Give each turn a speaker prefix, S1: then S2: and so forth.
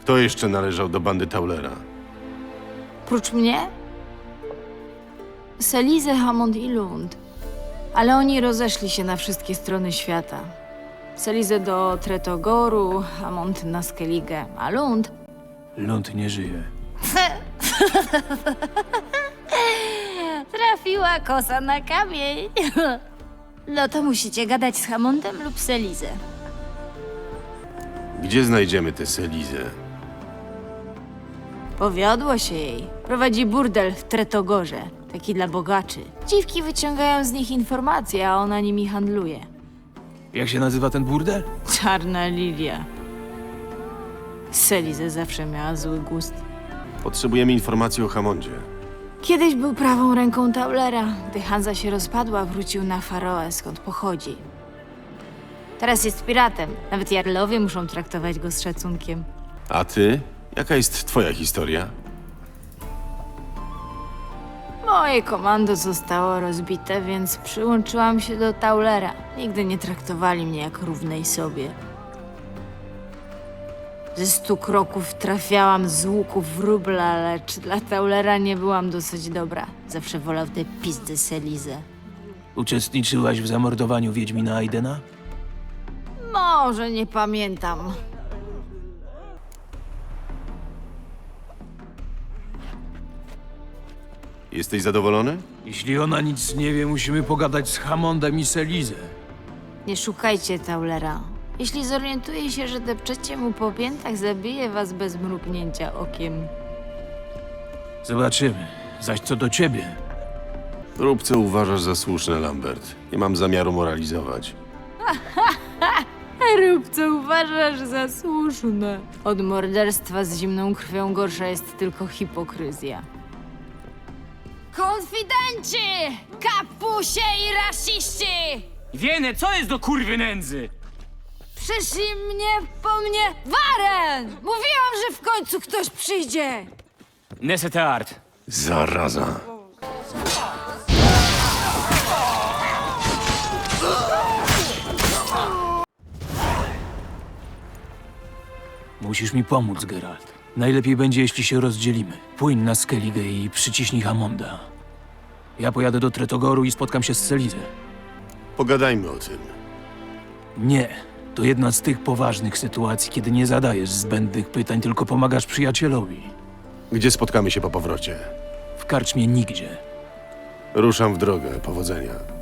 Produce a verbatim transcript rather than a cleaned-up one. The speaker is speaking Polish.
S1: Kto jeszcze należał do bandy Taulera?
S2: Prócz mnie? Selize, Hammond i Lund. Ale oni rozeszli się na wszystkie strony świata. Selize do Tretogoru, Hammond na Skellige, a Lund...
S3: Lund nie żyje.
S2: Trafiła kosa na kamień. No to musicie gadać z Hammondem lub Selizę.
S1: Gdzie znajdziemy tę Selizę?
S2: Powiodło się jej. Prowadzi burdel w Tretogorze. Taki dla bogaczy. Dziwki wyciągają z nich informacje, a ona nimi handluje.
S3: Jak się nazywa ten burdel?
S2: Czarna lilia. Selizę zawsze miała zły gust.
S1: Potrzebujemy informacji o Hammondzie.
S2: Kiedyś był prawą ręką Taulera. Gdy Hanza się rozpadła, wrócił na Faroe, skąd pochodzi. Teraz jest piratem. Nawet jarlowie muszą traktować go z szacunkiem.
S1: A ty? Jaka jest twoja historia?
S2: Moje komando zostało rozbite, więc przyłączyłam się do Taulera. Nigdy nie traktowali mnie jak równej sobie. Ze stu kroków trafiałam z łuku wróbla, lecz dla Taulera nie byłam dosyć dobra. Zawsze wolał te pizdy Selizę.
S3: Uczestniczyłaś w zamordowaniu Wiedźmina Aidena?
S2: Może nie pamiętam.
S1: Jesteś zadowolony?
S3: Jeśli ona nic nie wie, musimy pogadać z Hammondem i Selizę.
S2: Nie szukajcie Taulera. Jeśli zorientuje się, że depczecie mu po piętach, zabije was bez mrugnięcia okiem.
S3: Zobaczymy. Zaś co do ciebie,
S1: Rób co uważasz za słuszne, Lambert. Nie mam zamiaru moralizować.
S2: Rób co uważasz za słuszne. Od morderstwa z zimną krwią gorsza jest tylko hipokryzja. Konfidenci! Kapusie i rasiści!
S4: Wiene, co jest do kurwy nędzy?
S2: Przyszli mnie po mnie Waren! Mówiłam, że w końcu ktoś przyjdzie!
S4: Nesete art.
S1: Zaraza.
S3: musisz mi pomóc, Geralt. Najlepiej będzie, jeśli się rozdzielimy. Płyń na Skellige i przyciśnij Hammonda. Ja pojadę do Tretogoru i spotkam się z Selizę.
S1: Pogadajmy o tym.
S3: Nie. To jedna z tych poważnych sytuacji, kiedy nie zadajesz zbędnych pytań, tylko pomagasz przyjacielowi.
S1: Gdzie spotkamy się po powrocie?
S3: W karczmie nigdzie.
S1: Ruszam w drogę. Powodzenia.